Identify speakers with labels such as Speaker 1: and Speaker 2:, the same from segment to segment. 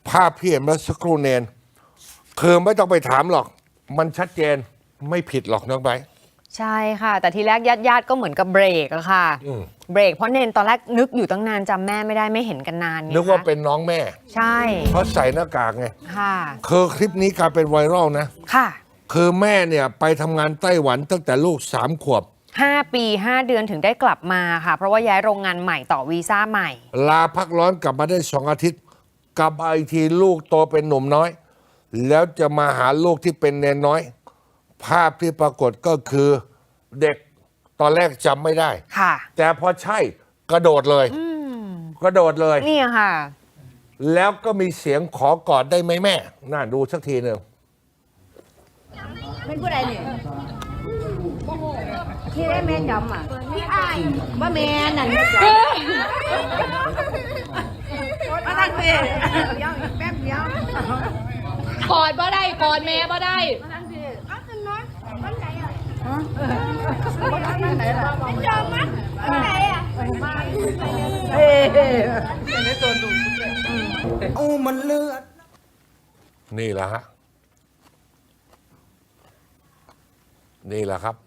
Speaker 1: ภาพที่เห็นเมื่อสักครู่เนนคือไม่ต้องไปถามหรอกมันชัดเจนไม่ผิดหรอกน้องไบร์ท
Speaker 2: ใช่ค่ะแต่ทีแรกญาติก็เหมือนกับเบรกอะค่ะเบรกเพราะเนนตอนแรกนึกอยู่ตั้งนานจำแม่ไม่ได้ไม่เห็นกันนานไง
Speaker 1: นึกว่าเป็นน้องแม่
Speaker 2: ใช่
Speaker 1: เพราะใส่หน้ากากไง
Speaker 2: ค่ะ
Speaker 1: คือคลิปนี้กลายเป็นไวรัลนะ
Speaker 2: ค่ะ
Speaker 1: คือแม่เนี่ยไปทำงานไต้หวันตั้งแต่ลูก3 ขวบ
Speaker 2: 5 ปี 5 เดือนถึงได้กลับมาค่ะ เพราะว่าย้ายโรงงานใหม่ต่อวีซ่าใหม่
Speaker 1: ลาพักร้อนกลับมาได้2 อาทิตย์ กลับมาอีกทีลูกโตเป็นหนุ่มน้อย แล้วจะมาหาลูกที่เป็นเนนน้อย ภาพที่ปรากฏก็คือเด็กตอนแรกจำไม่ได้
Speaker 2: ค่ะ
Speaker 1: แต่พอใช่กระโดดเลยกระโดดเลย
Speaker 2: นี่ค่ะ
Speaker 1: แล้วก็มีเสียงขอกอดได้ไหมแม่ น่าดูสักทีหนึ่ง
Speaker 3: เป็นผู้ใดเนี่ยที่ได้แม่จำอ่ะพี่อ้ายว่าแม่นั่นแม่จำมาตั้งเพลงเดี๋ยวอีกแป๊บเดียว
Speaker 4: กอดบ่ได้กอดแม่บ่ได้
Speaker 3: มาตั้งเพลงอ้าวคุณน้อยวันไหนอ่ะวันไหนล่ะไม่จำมั้ยวันไหนอ่ะเฮ้โอ้มันเลือด
Speaker 1: นี่แหละฮะ นี่แหละครับ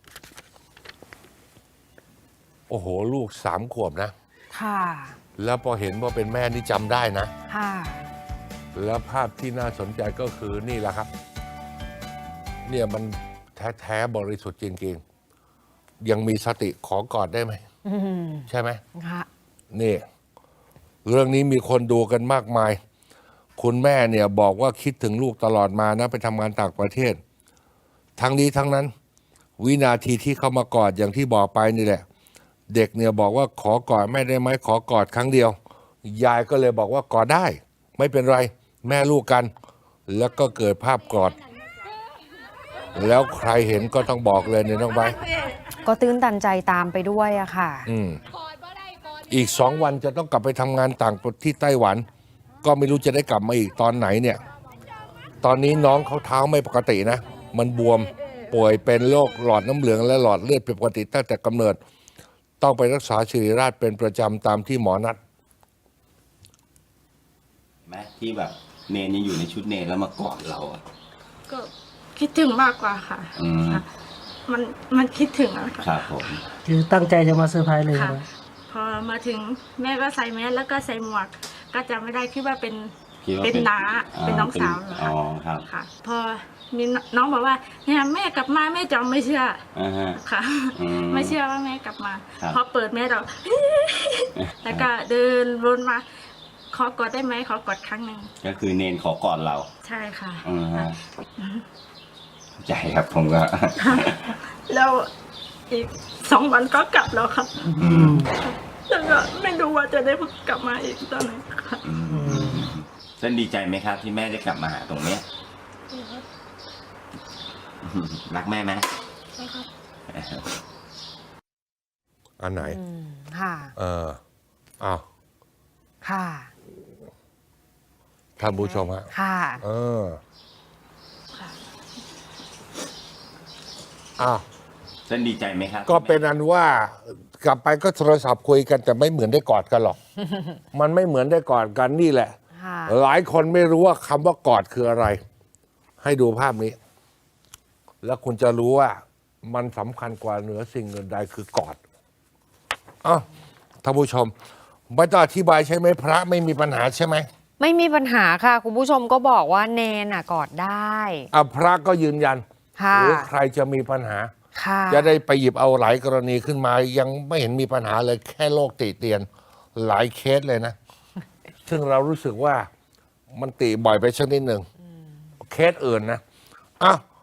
Speaker 1: โอ้โห ลูก3 ขวบนะ
Speaker 2: ค่ะ
Speaker 1: แล้วพอเห็นว่าเป็นแม่นี่จำได้นะ
Speaker 2: ค่ะ
Speaker 1: แล้วภาพที่น่าสนใจก็คือนี่แหละครับ เนี่ยมันแท้ๆบริสุทธิ์จริงๆ ยังมีสติขอกอดได้ไหม ใช่ไหม
Speaker 2: ค่ะ
Speaker 1: นี่ เรื่องนี้มีคนดูกันมากมาย คุณแม่เนี่ยบอกว่าคิดถึงลูกตลอดมานะไปทำงานต่างประเทศ ทั้งนี้ทั้งนั้น วินาทีที่เขามากอดอย่างที่บอกไปนี่แหละ เด็กเนี่ยบอกว่าขอกอดแม่ได้ไหมขอกอดครั้งเดียว ยายก็เลยบอกว่ากอดได้ ไม่เป็นไรแม่ลูกกัน แล้วก็เกิดภาพกอด แล้วใครเห็นก็ต้องบอกเลยเนี่ยน้องไบร์ท
Speaker 2: ก็ตื้นตันใจตามไปด้วยอะค่ะ
Speaker 4: กอดบ่ได้กอด
Speaker 1: อีก2 วันจะต้องกลับไปทำงานต่างประเทศที่ไต้หวัน ก็ไม่รู้จะได้กลับมาอีกตอนไหนเนี่ย ตอนนี้น้องเขาเท้าไม่ปกตินะ มันบวมป่วยเป็นโรคหลอดน้ำเหลืองและหลอดเลือดผิดปกติตั้งแต่กำเนิด ต้องไปรักษาศิริราชเป็นประจำตามที่หมอนัด
Speaker 5: ไหมที่แบบเนนยังอยู่ในชุดเนนแล้วมากอดเราอ่ะ
Speaker 6: ก็คิดถึงมากกว่าค่ะ
Speaker 5: อืม
Speaker 6: ค่ะมันคิดถึงอะค่ะ
Speaker 5: ครับผม
Speaker 7: คือตั้งใจจะมาเซอร์ไพรส์เลย
Speaker 6: ค่ะ
Speaker 7: ใช่ไหม
Speaker 6: พอมาถึงแม่ก็ใส่แมสแล้วก็ใส่หมวก ก็จำไม่ได้คิดว่าเป็น
Speaker 5: คิดว่า
Speaker 6: เป็นน้าเป็นน้องสาวเหรอ
Speaker 5: อ๋
Speaker 6: คะ
Speaker 5: อครับ
Speaker 6: ค่ะ พอมีน้องบอกว่าเนี่ยแม่กลับมาแม่จำไม่เชื่อ
Speaker 5: อ่าฮะ
Speaker 6: ค่ะ
Speaker 5: อืม
Speaker 6: ไม่เชื่อว่าแม่กลับมา
Speaker 5: ครับ
Speaker 6: พอเปิดแม่เรา แล้วก็เดินวนมาขอกอดได้ไหมขอกอดครั้งหนึ่ง
Speaker 5: ก็คือเนนขอกอดเรา
Speaker 6: ใช่ค่ะ
Speaker 5: อืมฮะใจครับผมก็
Speaker 6: แล้วอีก2 วันก็กลับแล้วค่ะ
Speaker 5: อืม
Speaker 6: แล้วก็ไม่รู้ว่าจะได้กลับมาอีกตอนไหนค่ะ
Speaker 5: อืมเส้นดีใจไหมครับ ที่แม่ได้กลับมาหาตรงเนี้ยรักแม่ไหม
Speaker 1: อันไหน
Speaker 2: ค่ะ
Speaker 1: อ้าว
Speaker 2: ค่ะ
Speaker 1: ท่านผู้ชมฮะ
Speaker 2: ค่ะ
Speaker 1: อ้าว
Speaker 5: เส้นดีใจไหมครับ
Speaker 1: ก็เป็นอันว่ากลับไปก็โทรศัพท์คุยกันแต่ไม่เหมือนได้กอดกันหรอก มันไม่เหมือนได้กอดกันนี่แหละ
Speaker 2: ค่ะ
Speaker 1: หลายคนไม่รู้ว่าคำว่ากอดคืออะไร ให้ดูภาพนี้ แล้วคุณจะรู้ว่ามันสำคัญกว่าเหนือสิ่งอื่นใดคือกอดอ้าวท่านผู้ชมไม่ต้องอธิบายใช่ไหมพระไม่มีปัญหาใช่ไหม
Speaker 2: ไม่มีปัญหาค่ะ คุณผู้ชมก็บอกว่าเนนอะกอดได้
Speaker 1: พระก็ยืนยัน
Speaker 2: ค่ะ
Speaker 1: หรือใครจะมีปัญหา
Speaker 2: ค่ะ
Speaker 1: จะได้ไปหยิบเอาหลายกรณีขึ้นมา ยังไม่เห็นมีปัญหาเลยแค่โรคติเตียน หลายเคสเลยนะ ซึ่งเรารู้สึกว่ามันติบ่อยไปสักนิดหนึ่งเคสอื่นนะอ้าว